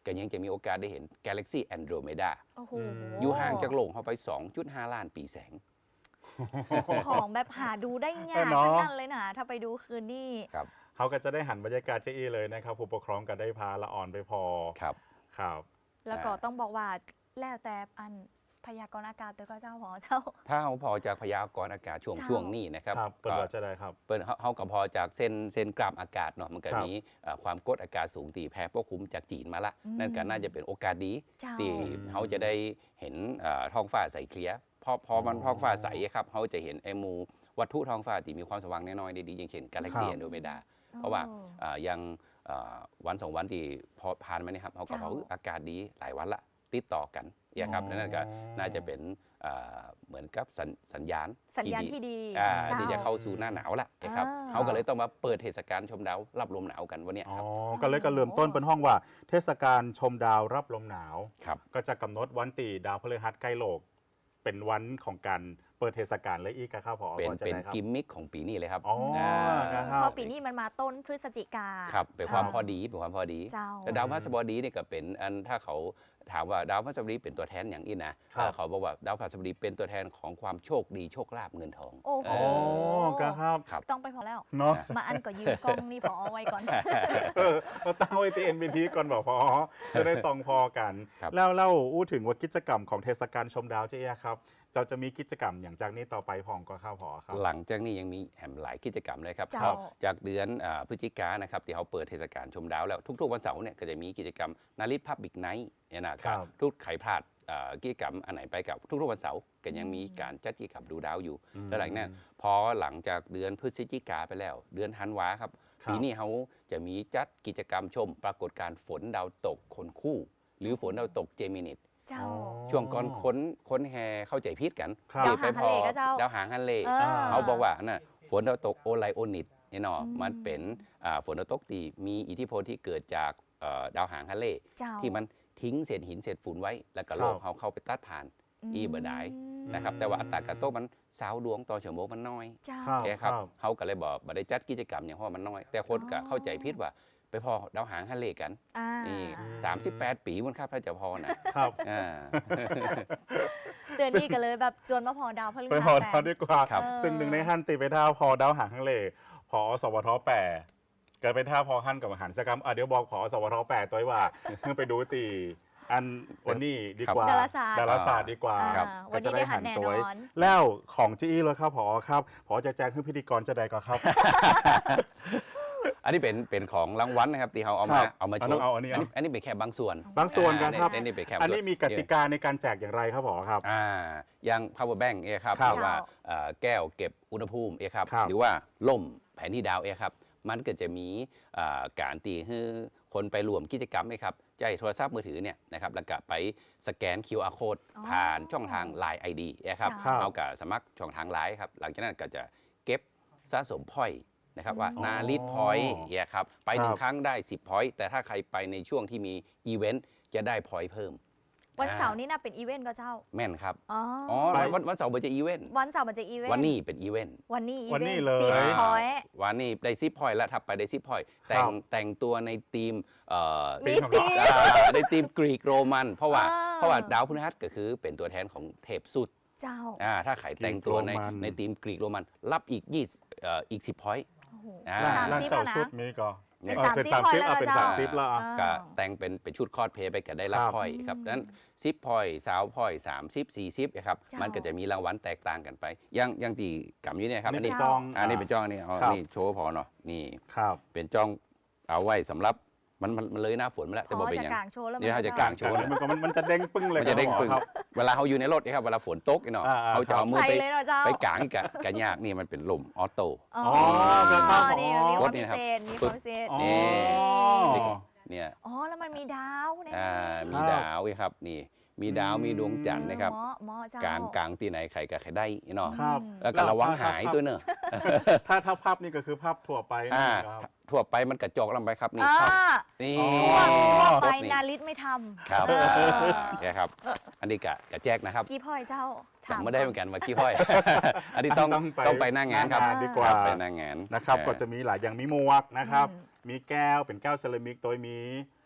Speaker 4: ก็ยังจะมีโอกาสได้เห็นกาแล็กซี่แอนโดรเมดา
Speaker 3: โอ้โห
Speaker 4: อยู่ห่างจากโลกเข้าไป สองจุดห้า ล้านปีแสง
Speaker 3: ของแบบหาดูได้ยาก
Speaker 2: เนาะ
Speaker 3: ทั้งนั้นเลยนะถ้าไปดูคืนนี่
Speaker 4: ครับ
Speaker 2: เขาก็จะได้หันบรรยากาศเจ๊อีเลยนะครับผู้ปกครองก็ได้พาละอ่อนไปพอ
Speaker 4: ครับ
Speaker 2: ครับ
Speaker 3: แล้วก็ต้องบอกว่าแล้วแต่อันพยากรณ์อากาศตัวก็เจ้าหอเจ้า
Speaker 4: ถ้าเขาพอจากพยากรณ์อากาศช่วง
Speaker 3: เจ้า
Speaker 4: ช่วงนี้นะครับ
Speaker 2: ครับเปิดว่าจะได้ครับ
Speaker 4: เปิดเขาก็พอจากเส้นเส้นกราฟอากาศเนาะมันก็
Speaker 2: ครับ
Speaker 4: มีเอ่อความกดอากาศสูงตีแผ่ปกคลุมจากจีนมาละ
Speaker 3: อืม
Speaker 4: นั่นก็น่าจะเป็นโอกาสดี
Speaker 3: เจ้า
Speaker 4: ที่เขาจะได้เห็นเอ่อท้องฟ้าใสเคลียร์พอพอมัน
Speaker 2: อ๋อ
Speaker 4: ท้องฟ้าใสครับเขาจะเห็นไอ้หมูวัตถุท้องฟ้าที่มีความสว่างน้อยๆได้ดีอย่างเช่นกาแล็กซี่
Speaker 2: ครับ
Speaker 4: แอนโดรเมดา เพราะว่า
Speaker 3: โอ้
Speaker 4: เอ่อยังเอ่อวันสองวันที่พอผ่านมาเนี่ยครับเขาก็
Speaker 3: เจ้า
Speaker 4: บอกเอออากาศดีหลายวันละติดต่อกันเนี่ยครับ
Speaker 2: อ๋อ
Speaker 4: นั่นก็น่าจะเป็นเอ่อเหมือนกับสัญสัญญาณ
Speaker 3: สัญญาณที่ดี
Speaker 4: อ่า
Speaker 3: เจ้า
Speaker 4: ที่จะเข้าสู่หน้าหนาวละนะครับ
Speaker 3: อ่า
Speaker 4: เขาก็เลยต้องมาเปิดเทศกาลชมดาวรับลมหนาวกันวันเนี้ย
Speaker 2: อ๋อ
Speaker 4: ครับ
Speaker 2: ก็เลยก็เริ่มต้นเป็นห้องว่า เทศกาลชมดาวรับลมหนาว
Speaker 4: ครับ
Speaker 2: ก็จะกำหนดวันตีดาวพฤหัสใกล้โลก เป็นวันของการเปิดเทศกาลและอีกครับพอ
Speaker 4: เป็น
Speaker 2: พอจะ
Speaker 4: เป็น
Speaker 2: ได้ครับ
Speaker 4: กิมมิคของปีนี้เลยครับ
Speaker 2: อ๋อค
Speaker 4: า
Speaker 2: รับ
Speaker 3: เพราะปีนี้มันมาต้นพฤศจิกา
Speaker 4: ครับเป็นความ
Speaker 3: เจ้า
Speaker 4: พอดีเป็นความพอดี
Speaker 3: เจ้า
Speaker 4: แต่ดาวพฤหัสบดีนี่ก็เป็นอันถ้าเขาถามว่าดาวพฤหัสบดีเป็นตัวแทนอย่างอีกนะครับ เอ่อเขาบอกว่าดาวพฤหัสบดีเป็นตัวแทนของความโชคดีโชคลาภเงินทอง
Speaker 3: โอ้โห
Speaker 4: เ
Speaker 2: อ๋อครับ
Speaker 4: ครับ
Speaker 3: ต้องไปพอแล้ว
Speaker 2: เนาะ
Speaker 3: มาอันก็ยืมกล้องนี่พอเอาไว้ก่อน
Speaker 2: เออเราตั้งไว้ที่ เอ็น บี ที ก่อนบอกพอจะได้ซองพอกัน
Speaker 4: ครับ
Speaker 2: แล้วเล่าอู้ถึงว่ากิจกรรมของเทศกาลชมดาวเจ๊ยะครับเราจะมีกิจกรรมอย่างจากนี้ต่อไปพองก็เข้าพอครับ
Speaker 4: หลังจากนี้ยังมีแหมหลายกิจกรรมเลยครับ
Speaker 3: เจ้า
Speaker 4: ครับจากเดือนอ่าพฤศจิกายนนะครับที่เขาเปิดเทศกาลชมดาวแล้วทุกๆวันเสาร์เนี่ยก็จะมีกิจกรรมนาริตพับบิกไนท์เนี่ยนะค
Speaker 2: ครั
Speaker 4: รับบ ทุกใครพลาดอ่ากิจกรรมอันไหนไปกับทุกๆวันเสาร์ก็ยังมีการจัดกิจกรรมดูดาวอยู่
Speaker 2: อืม
Speaker 4: แล้วหลังนั้นพอหลังจากเดือนพฤศจิกาไปแล้ว เดือนธันวาครับ
Speaker 2: ครับ
Speaker 4: ปีนี้เขาจะมีจัดกิจกรรมชม ปรากฏการณ์ฝนดาวตกคนคู่ หรือฝนดาวตกเจมินิต
Speaker 3: เจ้า
Speaker 2: อ๋อ
Speaker 4: ช่วงก่อนค้นค้นแฮเข้าใจผิดกัน
Speaker 2: ครับ
Speaker 4: ที่ไปพอ
Speaker 3: ดาวหางฮันเลก็เจ้า
Speaker 4: ดาวหางฮันเล
Speaker 3: เออ
Speaker 4: เขาบอกว่าน่ะฝนดาวตกโอไลโอนิตเนี่ยเนาะ
Speaker 3: อืม
Speaker 4: มันเป็นอ่าฝนดาวตกที่มีอิทธิพลที่เกิดจากเอ่อดาวหางฮันเล
Speaker 3: เจ้า
Speaker 4: ที่มันทิ้งเศษหินเศษฝุ่นไว้ แล้วก็โลก
Speaker 2: ครับ
Speaker 4: เขาเข้าไปตัดผ่าน อีเบอร์ได
Speaker 3: ม
Speaker 4: นะครับแต่ว่าอัตราการตกมันสาวดวงต่อชั่วโมงมันน้อย
Speaker 3: เจ้า
Speaker 2: ครับ
Speaker 4: แกครับเขาก็เลยบอกบ่ได้จัดกิจกรรมอย่างเพราะมันน้อย แต่คนก็
Speaker 3: อ๋อ
Speaker 4: เข้าใจผิดว่าไปพอดาวหางฮันเลกัน
Speaker 3: อ่า
Speaker 4: นี่สามสิบแปดปีมันครับถ้าจะพอนะครับ อ่า
Speaker 3: เดือนนี้ก็เลยแบบจวนมาพอดาวพฤ
Speaker 2: ไป
Speaker 3: หัส
Speaker 2: พอ
Speaker 3: แป
Speaker 2: ดาว
Speaker 3: ด
Speaker 2: ดีกว่า
Speaker 4: ครับ
Speaker 2: ซึ่งหนึ่งในฮันตีไปท่าพอดาวหางฮังเลพอสวทแปดเกิดเป็นท่าพอฮันกับอาหารสกรรมอ่ะเดี๋ยวบอกพอสวทแปดตัวว่าเพิ่งไปดูตีอันวันนี้ดีกว่า
Speaker 3: ดาราศาสตร์
Speaker 2: ดาราศาสตร์ดีกว่า
Speaker 3: อ่า
Speaker 2: ก็
Speaker 3: วัน
Speaker 2: จะ
Speaker 3: นี้
Speaker 2: ได้
Speaker 3: ได้หั
Speaker 2: หั
Speaker 3: น
Speaker 2: น
Speaker 3: แน่
Speaker 2: ตัวน
Speaker 3: อน
Speaker 2: แล้วของจีอีเลยครับพอครับพอจะแจ้งให้พิธีกรจะได้ก็ครับ
Speaker 4: อันนี้เป็นเป็นของรางวัลนะครับที่เขาเอามา
Speaker 2: ครับ
Speaker 4: เอามาโช
Speaker 2: เอา
Speaker 4: ว์
Speaker 2: เอาอันนี้เอา
Speaker 4: นี้อันนี้เป็นแค่บางส่วน
Speaker 2: บางส่วนกันครับ
Speaker 4: อันนี้เป็นแค่บาง
Speaker 2: อัน
Speaker 4: ส่ว
Speaker 2: นี้มีกติกาในการแจกอย่างไรครับพอครับ
Speaker 4: อ่าอย่าง power bank เอครับ
Speaker 2: ครับ
Speaker 4: หรือว่าเอ่อแก้วเก็บอุณหภูมิเอครับ
Speaker 2: ครับ
Speaker 4: หรือว่าล่มแผนที่ดาวเอครับมันก็จะมีอ่าการตีให้คนไปรวมกิจกรรมเอครับใช้โทรศัพท์มือถือเนี่ยนะครับแล้วก็ไปสแกน คิว อาร์ Code
Speaker 3: อ๋อ
Speaker 4: ผ่านช่องทาง ไลน์ ไอ ดี เอครับ
Speaker 3: ครับ
Speaker 4: เอากับสมัครช่องทาง ไลน์ ครับหลังจากนั้นก็จะเก็บสะสมพอยต์นะครับว่า
Speaker 2: อ๋อ
Speaker 4: นาลิตพอยต์เนี่ยครับไปหนึ่
Speaker 2: ค
Speaker 4: ง
Speaker 2: รับ
Speaker 4: ครั้งได้สิบพอยต์แต่ถ้าใครไปในช่วงที่มีอีเวนต์จะได้พอยต์เพิ่ม
Speaker 3: วันเสาร์นี้น่าเป็นอีเวนต์ก็เจ้า
Speaker 4: แม่นครับ
Speaker 3: อ๋ออ
Speaker 4: อ๋อ
Speaker 2: ไป
Speaker 4: วันวันเสาร์มันจะอีเวนต์
Speaker 3: วันเสาร์มันจะอีเวนต์
Speaker 4: วันนี้เป็นอีเวนต์
Speaker 3: วันนี้อี
Speaker 2: วัน
Speaker 3: เว
Speaker 2: นี้
Speaker 3: นต์
Speaker 2: เลย
Speaker 3: สิบ
Speaker 4: อ่า
Speaker 3: พอยต์
Speaker 4: วันนี้ได้ซิปพอยต์แล้วถับไปได้ซิปพอยต์แต่ง
Speaker 2: ครับ
Speaker 4: แต่งตัวในทีมเอ่อ
Speaker 3: มี
Speaker 2: ของ
Speaker 3: ตี
Speaker 2: เรา
Speaker 4: อ่าในทีมกรีกโรมัน เพราะว่า
Speaker 3: อ่า
Speaker 4: เพราะว่าดาวพฤหัสก็คือเป็นตัวแทนของเทพสุด
Speaker 3: เจ้า
Speaker 4: อ่าถ้าใครแต่งตัวใน
Speaker 2: กรีกโรมัน
Speaker 4: ในทีมกรีกโรมัน รับอีกยี่สิบเอ่ออีกสิบพอยต์
Speaker 3: โอ้โห
Speaker 4: อ่า
Speaker 3: สาม
Speaker 2: ร้าน
Speaker 3: สิบ
Speaker 2: เจ้า
Speaker 3: แล้วนะ
Speaker 2: ชุดมีก็
Speaker 3: เป็น
Speaker 2: เออ
Speaker 3: สาม
Speaker 2: เป็น
Speaker 3: สิบ
Speaker 2: สาม
Speaker 3: พอย
Speaker 2: สิบ
Speaker 3: ต์แล้ว
Speaker 2: อ่ะเป็น
Speaker 3: เจ้า
Speaker 2: สามสิบแล้วอ่ะ
Speaker 4: ก็แต่งเป็นเป็นชุดคอสเพลย์ไปก็ได้รับ
Speaker 2: ครับ
Speaker 4: พอยต์ครับ
Speaker 3: อืม
Speaker 4: ดังนั้นซิปพอยต์สาวพอยต์สามสิบสี่สิบนะครับ
Speaker 3: เจ้ามั
Speaker 4: มันก็จะมีรางวัลแตกต่างกันไปอยังอยังตีกำอยู่เนี่ยครับอันนี้
Speaker 2: จอง
Speaker 4: อันนี้เป็นจ้องนี่เอา
Speaker 2: ครับ
Speaker 4: นี่โชว์พอเนาะนี่
Speaker 2: ครับ
Speaker 4: เป็นจ้องเอาไว้สำหรับมันมันมันเลยหน้าฝนมาแล้ว
Speaker 3: พ
Speaker 4: แต่บอก
Speaker 3: อ
Speaker 4: เป็น
Speaker 3: จะ
Speaker 4: ยัง
Speaker 3: กลางโชว์แล้ว
Speaker 4: เดี๋ยวเขาจะกลางโชว์
Speaker 2: มันก็มันมันจะเด้งปึ้งเลย
Speaker 4: มันจะเด้ง
Speaker 2: ครับ
Speaker 4: ปึ้ง
Speaker 2: ครับ
Speaker 4: เวลาเขาอยู่ในรถนะครับเวลาฝนตกเนาะ
Speaker 2: อ่าๆ
Speaker 4: เขาจะเอามือ
Speaker 3: ใส่
Speaker 4: ไป
Speaker 3: เลยเหรอเจ้า
Speaker 4: ไปกลางอีกกะกันยากนี่มันเป็นลมออโต้
Speaker 3: อ๋อ
Speaker 2: ครับครับ
Speaker 3: นี่มันมีความ
Speaker 4: รถนี่
Speaker 3: พิ
Speaker 4: นะครับ
Speaker 3: เศษมีความพิเศษ
Speaker 2: อ๋อ
Speaker 4: นี่ เนี่ย
Speaker 3: อ๋อแล้วมันมีดาวใน
Speaker 4: อ่า
Speaker 3: นั้น
Speaker 4: มีดาวอีกครับนี่มีดาวมีดวงจันทร์นะครับ
Speaker 3: เหมาะเหมาะเจ้าก
Speaker 4: ลางกลางที่ไหนใครกับใครได้เนาะ
Speaker 2: ครับ
Speaker 4: แล้วก็ระวังหายตัวเนอะ
Speaker 2: ถ้าถ้าภาพนี่ก็คือภาพทั่วไป
Speaker 4: อ่า
Speaker 2: นะครับ
Speaker 4: ทั่วไปมันกระจอกลงไปครับนี่
Speaker 3: อ่า
Speaker 4: ครับนี่
Speaker 2: อ๋อ
Speaker 3: ทั่วไป
Speaker 4: นี่
Speaker 3: นาริตไม่ทำ
Speaker 4: ครับ
Speaker 3: เออ
Speaker 4: อ่าเนี่ยครับ อันนี้กะกะแจกนะครับ
Speaker 3: กี่พ่อยเจ้าถาม
Speaker 4: จำไม่ได้เหมือนกันว่ากี่พ่อย อันนี้ต้อง
Speaker 2: ต้องไป
Speaker 4: ต้องไปหน้างานครับ
Speaker 2: หน้างานดีกว่า
Speaker 4: ครับไปหน้างาน
Speaker 2: นะครับ
Speaker 4: เออ
Speaker 2: ก็จะมีหลายอย่างมีหมวกนะครับ
Speaker 3: อืม
Speaker 2: มีแก้วเป็นแก้วเซรามิกโดยมี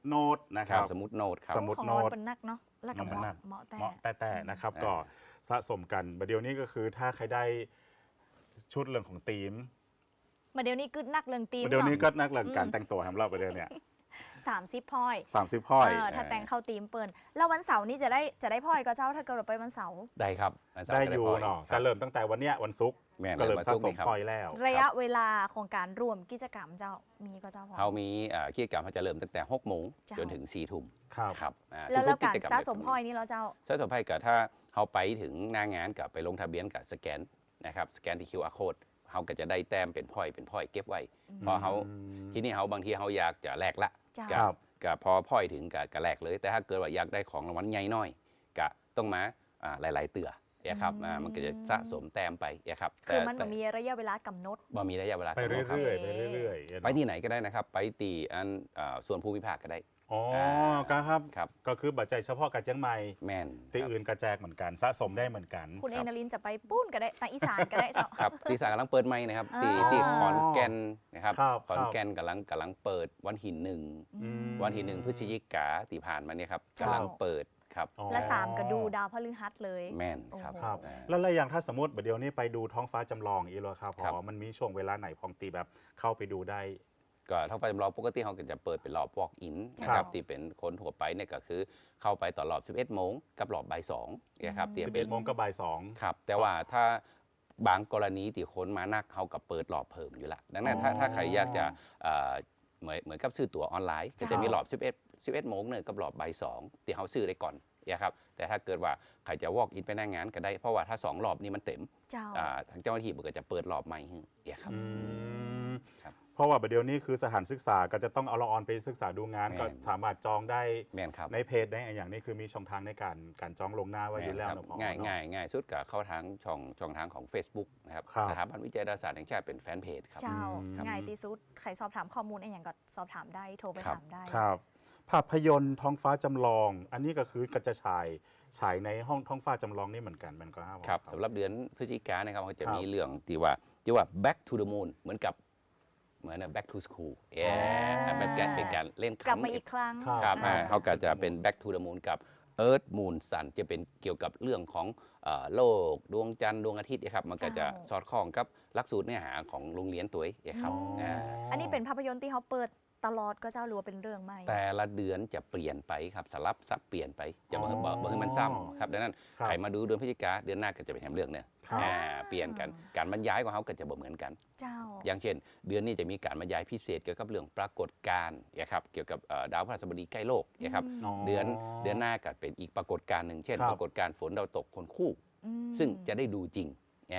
Speaker 2: โน้ตนะค
Speaker 4: ค
Speaker 2: รั
Speaker 4: รับ บสมุดโน้ตครับ
Speaker 2: สมุด
Speaker 3: ของ
Speaker 2: โน้ต
Speaker 3: เป็นนักเนาะแล้วก็
Speaker 2: มัน
Speaker 3: เห
Speaker 2: นั
Speaker 3: มาะ
Speaker 2: ก
Speaker 3: เหมาะแต่
Speaker 2: เหมาะแต่แต่นะครับ
Speaker 4: อ่า
Speaker 2: ก็สะสมกันประเดี๋ยวนี้ก็คือถ้าใครได้ชุดเรื่องของธีม
Speaker 3: มาเดี๋ยวนี้กึดนักเรื่องตีม
Speaker 2: ประเดี๋ยวนี้ก็
Speaker 3: เนาะ
Speaker 2: นักเรื่องการแต่งตัวของเราประเดี๋ยวเนี่ย
Speaker 3: สามสิบพอย
Speaker 2: สามสิบพ้อย
Speaker 3: เออถ้าแต่งเข้าตีมเปิลแล้ววันเสาร์นี้จะได้จะได้พอยก็เจ้าถ้าเกิดเราไปวันเสาร์
Speaker 4: ได้ครับวันเสาร์
Speaker 2: ได้
Speaker 4: ก็
Speaker 2: อยู่
Speaker 4: พ
Speaker 2: เนาะ
Speaker 4: ค
Speaker 2: ก็
Speaker 4: รับ
Speaker 2: เริ่มตั้งแต่วันเนี้ยวันศุกร์
Speaker 4: แม่น
Speaker 2: ก็เริ่ม
Speaker 4: วัน
Speaker 2: สะ
Speaker 4: ศุกร์
Speaker 2: สม
Speaker 4: นี่ครับ
Speaker 2: พอยแล้ว
Speaker 3: ระยะเวลาของการรวมกิจกรรมเจ้ามีก็เจ้าพอ
Speaker 4: เขามีเอ่อกิจกรรมเขาจะเริ่มตั้งแต่หกโมง
Speaker 3: เจ้า
Speaker 4: จนถึงสี่ทุ่ม
Speaker 2: ครับ
Speaker 4: ครับอ่า
Speaker 3: แล้วแล้ว
Speaker 4: ทุ
Speaker 3: การ
Speaker 4: จม
Speaker 3: สะสม
Speaker 4: แบบ
Speaker 3: พอยนี่เราเจ้า
Speaker 4: สะสมพอยกับถ้าเขาไปถึงหน้างานกับไปลงทะเบียนกับสแกนนะครับสแกนที่ คิว อาร์ code เขาก็จะได้แต้มเป็นพอยเป็นพอยเก็บไว้ เพราะเขา
Speaker 2: อืม
Speaker 4: ที่นี่เขาบางทีเขาอยากจะแลกละ
Speaker 3: เจ้า
Speaker 4: กั
Speaker 2: ครับ
Speaker 4: กับพอพอยถึงกับกับแลกเลย แต่ถ้าเกิดว่าอยากได้ของรางวัลใหญ่น้อยก็ต้องมาอ่าหลาย ๆ เตือนะครับอ่ามันก็จะสะสมแต้มไปนะครับ
Speaker 3: คือมัน
Speaker 4: แต่
Speaker 3: มีระยะเวลากำหนด
Speaker 4: บ่มีระยะเวลา
Speaker 2: ไป
Speaker 4: กำหนดครับ
Speaker 2: เรื่อยๆไปเรื่อยๆ
Speaker 4: ไปที่ไหนก็ได้นะครับ ไปตีอันอ่าส่วนภูมิภาคก็ได้
Speaker 2: อ๋อ
Speaker 4: อ่า
Speaker 2: ก็ครับ
Speaker 4: ครับ
Speaker 2: ก็คือบัตรใจเฉพาะกับเชียงใหม่
Speaker 4: แม่น
Speaker 2: ที่
Speaker 4: ครับ
Speaker 2: อื่นกระแจกเหมือนกันสะสมได้เหมือนกัน
Speaker 3: คุณ
Speaker 4: ค
Speaker 3: เอ
Speaker 4: รับ
Speaker 3: นาลินจะไปปุ้นก็ได้ทางอีสานก็ได้เจ้า
Speaker 4: ครับที่สากำลังเปิดใหม่นะครับ
Speaker 3: อ๋อ
Speaker 4: ที่ที่ขอนแก่นนะครับ
Speaker 2: ครับ
Speaker 4: ขอนแก่นกำลังกำลังเปิดวันที่หนึ่ง
Speaker 2: อืม
Speaker 4: วันที่หนึ่งพฤศจิกาที่ผ่านมาเนี่ยครับ
Speaker 3: ครับ
Speaker 4: กำลังเปิดครับ
Speaker 2: อ๋อ
Speaker 3: และสามก็ดูดาวพฤหัสเลย
Speaker 4: แม่นครับ
Speaker 3: โอ้โห
Speaker 2: ครับ
Speaker 4: อ่า
Speaker 2: แล้วอะไรอย่างถ้าสมมติเดี๋ยวนี้ไปดูท้องฟ้าจำลองอีกแล้วครับพ
Speaker 4: ครับ
Speaker 2: อมันมีช่วงเวลาไหนพองตีแบบเข้าไปดูได้
Speaker 4: ก็ท้องฟ้าจำลองปกติเขาก็จะเปิดเป็นรอบ walk in นะค
Speaker 2: ครั
Speaker 4: รับบ ที่เป็นคนทั่วไปเนี่ยก็คือเข้าไปต่อรอบ สิบเอ็ดโมงกับรอบบ่ายสองนะครับที่เป็น
Speaker 2: สิบเอ็ดโมงกับบ่ายสอง
Speaker 4: ครับแต่ว่าถ้าบางกรณีที่คนมานักเขากับเปิดรอบเพิ่มอยู่ละดังนั้นถ้า
Speaker 2: อ๋อ
Speaker 4: ถ้าใครอยากจะเอ่อเหมือนเหมือนกับซื้อตั๋วออนไลน์ก็จะมีรอบ สิบเอ็ด สิบเอ็ดโมงเนี่ยกับรอบบ่ายสองที่เขาซื้อได้ก่อนนะครับแต่ถ้าเกิดว่าใครจะ walk in ไปหน้างานก็ได้เพราะว่าถ้าสองรอบนี้มันเต็ม
Speaker 3: เจ้า
Speaker 4: อ่าทางเจ้าหน้าที่มันก็จะเปิดรอบใหม่ให้ครับ
Speaker 2: อืม
Speaker 4: ครับ
Speaker 2: เพราะว่าประเดี๋ยวนี้คือสถานศึกษาก็จะต้องเอาละออนไปศึกษาดูงาน
Speaker 4: แม่น
Speaker 2: ก็สามารถจองได้
Speaker 4: แม่นครับ
Speaker 2: ในเพจได้อย่างนี้คือมีช่องทางในการการจองลวงหน้าไว้อยู่แล้ว
Speaker 4: แม่น
Speaker 2: เน
Speaker 4: ค
Speaker 2: อะ
Speaker 4: รับ
Speaker 2: พอ
Speaker 4: ง่าย
Speaker 2: เนอะ
Speaker 4: ง่ายง่ายสุดกับเข้าทางช่องช่องทางของ Facebook นะครับ
Speaker 2: ครับ
Speaker 4: สถาบันวิจัยดาราศาสตร์แห่งชาติเป็นแฟนเพจครับ
Speaker 3: เจ้า
Speaker 2: อืม
Speaker 3: ง่ายที่สุดใครสอบถามข้อมูลอะไรอย่างก็สอบถามได้โทรไป
Speaker 4: ครับ
Speaker 3: ถามได้
Speaker 2: ครับภาพยนตร์ท้องฟ้าจำลอง อันนี้ก็คือก็จะฉายฉายในห้องท้องฟ้าจำลองนี่เหมือนกันมันก็ห้า
Speaker 4: ครับสำหรับเดือนพฤศจิกายนนะครับเขาจะ
Speaker 2: ครับ
Speaker 4: มีเรื่องที่ว่าที่ว่า back to the moon เหมือนกับเหมือน back to school เอ๊ะเป็นการเป็นการเล่น
Speaker 3: กลับ
Speaker 4: คำ
Speaker 3: มาอีกครั้ง
Speaker 2: ครับ
Speaker 4: ครับ
Speaker 3: อ่า
Speaker 4: อ่าเขาก็จะเป็น back to the moon กับ earth moon sun จะเป็นเกี่ยวกับเรื่องของเอ่อโลกดวงจันทร์ดวงอาทิตย์นะครับมันก็จะสอดคล้องกับหลักสูตรเนื้อหาของโรงเรียนตัวเองนะครับ
Speaker 2: อ๋ออ่
Speaker 4: า
Speaker 3: อันนี้เป็นภาพยนตร์ที่เขาเปิดตลอดก็เจ้าหรือว่าเป็นเรื่องใหม่
Speaker 4: แต่ละเดือนจะเปลี่ยนไปครับสลับซับเปลี่ยนไปจะบ่
Speaker 2: อ๋อ
Speaker 4: บ่บ่ให้มันซ้ำครับดังนั้น
Speaker 2: ครับ
Speaker 4: ใครมาดูเดือนพฤศจิกาเดือนหน้าก็จะเป็นแถมเรื่องเนี่ย
Speaker 2: ครับ
Speaker 4: อ่าเปลี่ยนกันการบรรยายของเขาก็จะบ่เหมือนกัน
Speaker 3: เจ้า
Speaker 4: อย่างเช่น เดือนนี้จะมีการบรรยายพิเศษเกี่ยวกับเรื่องปรากฏการณ์นะครับเกี่ยวกับเอ่อดาวพฤหัสบดีใกล้โลกนะครับ
Speaker 3: อืม
Speaker 2: อ๋อ
Speaker 4: เดือนเดือนหน้าก็เป็นอีกปรากฏการณ์หนึ่งเช่น
Speaker 2: ครับ
Speaker 4: ปรากฏการณ์ฝนดาวตกคนคู่
Speaker 3: อืม
Speaker 4: ซึ่งจะได้ดูจริงแอบ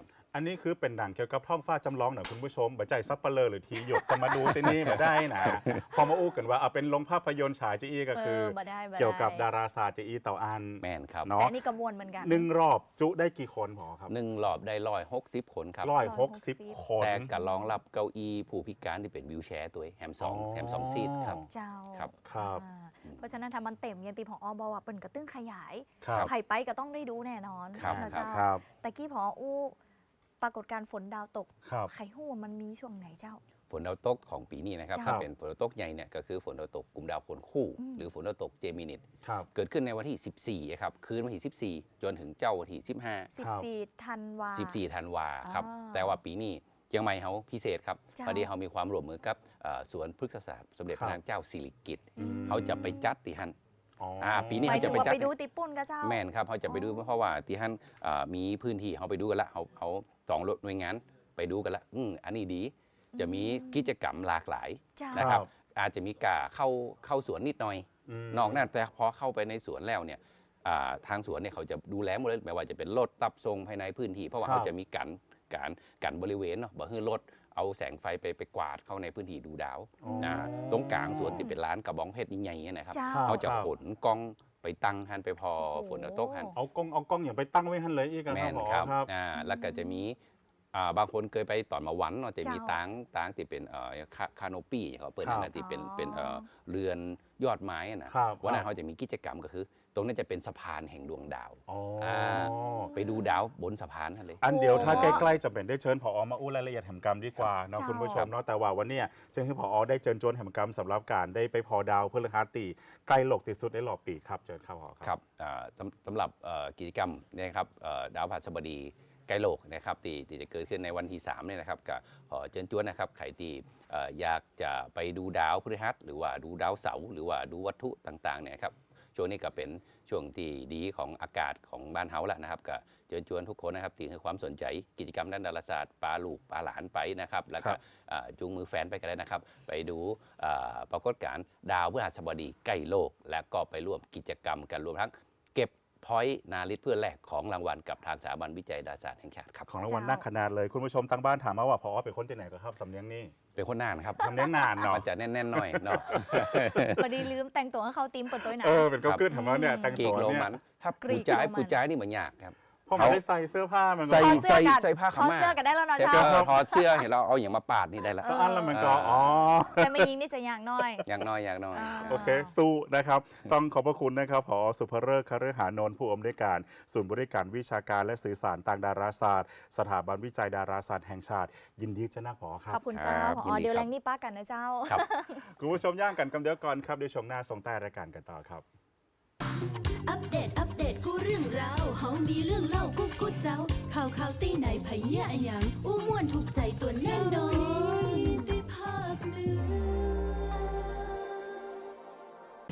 Speaker 2: อันนี้คือเป็นหนังเกี่ยวกับท้องฟ้าจำลองหน่อยคุณผู้ชมบัจใจซับเปลอหรือทีหยกจะมาดูที่นี่มาได้นะ พอมาอู้กันว่าเอาเป็นลงภาพยนตร์ฉายจีอีก็คือ
Speaker 3: เบ่ได้บ่ได้
Speaker 2: เกี่ยวกับดาราศาสตร์จีอีเต่าอัน
Speaker 4: แม่นครับ
Speaker 3: แต่
Speaker 2: เนาะ
Speaker 3: อันนี้กระมวลเหมือนกัน
Speaker 2: หนึ่งรอบจุได้กี่คนพอครับ
Speaker 4: หนึ่งรอบได้ร้อยหกสิบคนครับ
Speaker 2: ร้อยหกสิบคน
Speaker 4: แต่การรองรับเก้าอี้ผู้พิการที่เป็นวิวแชร์ตัวเองแฮมสอง
Speaker 2: อ๋อ
Speaker 4: แฮมสองซีทครับ
Speaker 3: เจ้า
Speaker 4: ครับ
Speaker 2: ครับ
Speaker 3: อ่าเพราะฉะนั้นถ้ามันเต็มอยันตีของอบอกว่าเปิ่นกระตึ้งขยาย
Speaker 2: ครับ
Speaker 3: ไผ่ไปก็ต้องได้ดูแน่นอน
Speaker 4: ครับ
Speaker 3: นะเจ้า
Speaker 2: ครับ
Speaker 3: แต่กี้พออู้ปรากฏการณ์ฝนดาวตก
Speaker 2: ครับ
Speaker 3: ไข่หู้มันมีช่วงไหนเจ้า
Speaker 4: ฝนดาวตกของปีนี้นะครับ
Speaker 3: ครับ
Speaker 4: ถ้าเป็นฝนดาวตกใหญ่เนี่ยก็คือฝนดาวตกกลุ่มดาวคนคู่
Speaker 3: อืม
Speaker 4: หรือฝนดาวตกเจมินิต
Speaker 2: ครับ
Speaker 4: เกิดขึ้นในวันที่ สิบสี่ครับคืนวันที่ สิบสี่ จนถึงเจ้าวันที่ สิบห้า
Speaker 3: 14ธันวา
Speaker 4: สิบสี่ธันวาครับ
Speaker 3: อ่า
Speaker 4: แต่ว่าปีนี้เชียงใหม่เขาพิเศษครับ
Speaker 3: เจ้า
Speaker 4: พอดีเขามีความร่วมมือกับเอ่อสวนพฤกษศาสตร์สมเด็จ
Speaker 2: ครั
Speaker 4: พ
Speaker 2: บ
Speaker 4: ระนางเจ้าสิริกิติ์
Speaker 2: อืม
Speaker 4: เขาจะไปจัดที่ฮั่น
Speaker 2: อ๋ออา
Speaker 4: ปีนี้
Speaker 3: ไป
Speaker 4: เขา
Speaker 3: ดู
Speaker 4: จะไป
Speaker 3: ว่า
Speaker 4: จัด
Speaker 3: ไปดูติปุ่นก็เจ้า
Speaker 4: แม่นครับเขาจะไปดูเพราะว่าที่ฮั่นเอ่อมีพื้นที่เขาไปดูกันละเขาเขาสองหน่วยงานไปดูกันละอืมอันนี้ดี จะมีกิจกรรมหลากหลาย
Speaker 3: เจ้า
Speaker 4: นะครับ อาจจะมีการเข้าเข้าสวนนิดหน่อย
Speaker 2: ม
Speaker 4: นอกนั้นแต่พอเข้าไปในสวนแล้วเนี่ยอ่าทางสวนเนี่ยเขาจะดูแลหมดเลยไม่ว่าจะเป็นรถตับทรงภายในพื้นที่ เพราะว่า
Speaker 2: ครับ
Speaker 4: เขาจะมีกันการกันบริเวณเนาะบ่ให้รถเอาแสงไฟไปไปกวาดเข้าในพื้นที่ดูดาว
Speaker 2: อ๋อ
Speaker 4: นะตรงกลางสวนที่เป็นร้านกระบองเพชรใหญ่ๆเนี่ยนะครับ
Speaker 3: เจ้า
Speaker 2: ครับ
Speaker 4: เขาจะขนกล้องไปตั้งหันไปพอ
Speaker 3: โอ้โห
Speaker 4: ฝนตกหัน
Speaker 2: เอากล้องเอากล้องอย่างไปตั้งไว้หันเลยอีกอะ
Speaker 4: แม่
Speaker 2: ครับ
Speaker 4: น
Speaker 2: ผอ
Speaker 4: ครับ
Speaker 2: ครับ
Speaker 4: อ่าแล้วก็จะมีอ่าบางคนเคยไปตอนมาวันเนาะจะมี
Speaker 3: เจ้า
Speaker 4: ตางตางที่เป็นเอ่อคาคาโนปี้เขาเปิด
Speaker 2: ครับ
Speaker 4: นั่นนะที่เป็น
Speaker 3: อ๋อ
Speaker 4: เป็นเอ่อเรือนยอดไม้อะนะครับ วันนั้นเขาจะมีกิจกรรมก็คือ ตรงนี้จะเป็นสะพานแห่งดวงดาว
Speaker 2: อ๋ออา
Speaker 4: ไปดูดาวบนสะพานนั่นเลย
Speaker 2: อันเดียวถ้า
Speaker 3: โอ้
Speaker 2: ใกล้ๆจะเป็นได้เชิญผอมาอู้รายละเอียดแห่งกรรมดีกว่าเนาะ
Speaker 3: เจ้า
Speaker 2: คุณผู้ชมเนาะแต่ว่าวันเนี้ยจึงให้ผอได้เชิญชวนแห่งกรรมสำหรับการได้ไปพอดาวพฤหัสตีใกล้โลกที่สุดในรอบปีครับเชิญครับผอ
Speaker 4: ครับอ่าสำสำหรับเอ่อกิจกรรมเนี่ยนะครับเอ่อดาวพฤหัสบดีใกล้โลกนะครับที่ที่จะเกิดขึ้นในวันที่สามเนี่ยนะครับก็ขอเชิญชวนนะครับใครที่เอ่ออยากจะไปดูดาวพฤหัสหรือว่าดูดาวเสาร์หรือว่าดูวัตถุต่างๆเนี่ยครับช่วงนี้ก็เป็นช่วงที่ดีของอากาศของบ้านเฮาแล้วนะครับก็เชิญชวนทุกคนนะครับที่ให้ความสนใจกิจกรรมด้านดาราศาสตร์ปาลูกปาหลานไปนะครับแล้วก็อ่าจูงมือแฟนไปกันได้นะครับ ไปดูอ่าปรากฏการณ์ดาวพฤหัสบดีใกล้โลก และก็ไปร่วมกิจกรรมกันรวมทั้งเก็บพอยต์นาลิตเพื่อแลกของรางวัลกับทางสถาบันวิจัยดาราศาสตร์แห่งชาติครับ
Speaker 2: ของรางวัลน่าขนาดเลยคุณผู้ชมทางบ้านถามมาว่าพอเป็นคนที่ไหนก็ครับสำเนียงนี่
Speaker 4: เป็นคนน่านครับ
Speaker 2: สำเนียงนานเนาะ
Speaker 4: มันจะแน่นๆหน่อยเนาะ
Speaker 3: พอดีลืมแต่งตัวให้เขาตีมเปิดตัวหนะ
Speaker 2: เออเป็นก็ขึ้นถามว่าเนี่ยแต่ง
Speaker 4: กรี
Speaker 2: ตัว
Speaker 4: กโร
Speaker 2: เนี่ย
Speaker 4: มันถ้าก
Speaker 3: รี
Speaker 4: ปู
Speaker 3: ก
Speaker 4: จ้าย
Speaker 3: โรมัน
Speaker 4: ปูจ้ายนี่เหมือนยากครับ
Speaker 2: เพราะมันได้ใส่เสื้อผ้ามันก็
Speaker 4: ใส่
Speaker 3: ขอเสื้อกัน
Speaker 4: ใส่ผ้าขาวม้า
Speaker 3: ขอเสื้อกันได้แล้วเนาะ
Speaker 4: ใส่
Speaker 3: เจ้า
Speaker 4: เสื้อถอดเสื้อเห็นเราเอาอย่างมาปาดนี่ได้ละ
Speaker 2: ก็อันละมันก็อ๋อ
Speaker 3: แต่ไม่ยิงนี่จะอย่างน้อย
Speaker 4: อย่างน้อยอย่างน้อย
Speaker 3: อ่า
Speaker 2: โอเค สู้นะครับ ต้องขอบพระคุณนะครับผอสุภเริกษ์คฤหานนท์ผู้อำนวยการศูนย์บริการวิชาการและสื่อสารทางดาราศาสตร์ สถาบันวิจัยดาราศาสตร์แห่งชาติ ยินดีจะนักผอครั
Speaker 3: ข
Speaker 2: บ
Speaker 3: อบคุณเจ้า
Speaker 4: ครับ
Speaker 3: พ
Speaker 4: ยิน
Speaker 3: อ
Speaker 4: ดี
Speaker 3: เดี๋ยว
Speaker 4: ค
Speaker 3: แร
Speaker 4: รับ
Speaker 3: งนี่ป้ากันนะเจ้า
Speaker 4: ครับ
Speaker 2: คุณผู้ชมย่างกันกำเดียวก่อนครับเดี๋ยวช่วงหน้าส่งใต้รายการกันต่อครับ
Speaker 1: อัปเดต อัปเดต กูเรื่องราวเฮามีเรื่องเล่ากูกูเจ้า ข่าวข่าวตีไหนไผเหี้ยอะหยังอู้ม่วนถูกใจตัว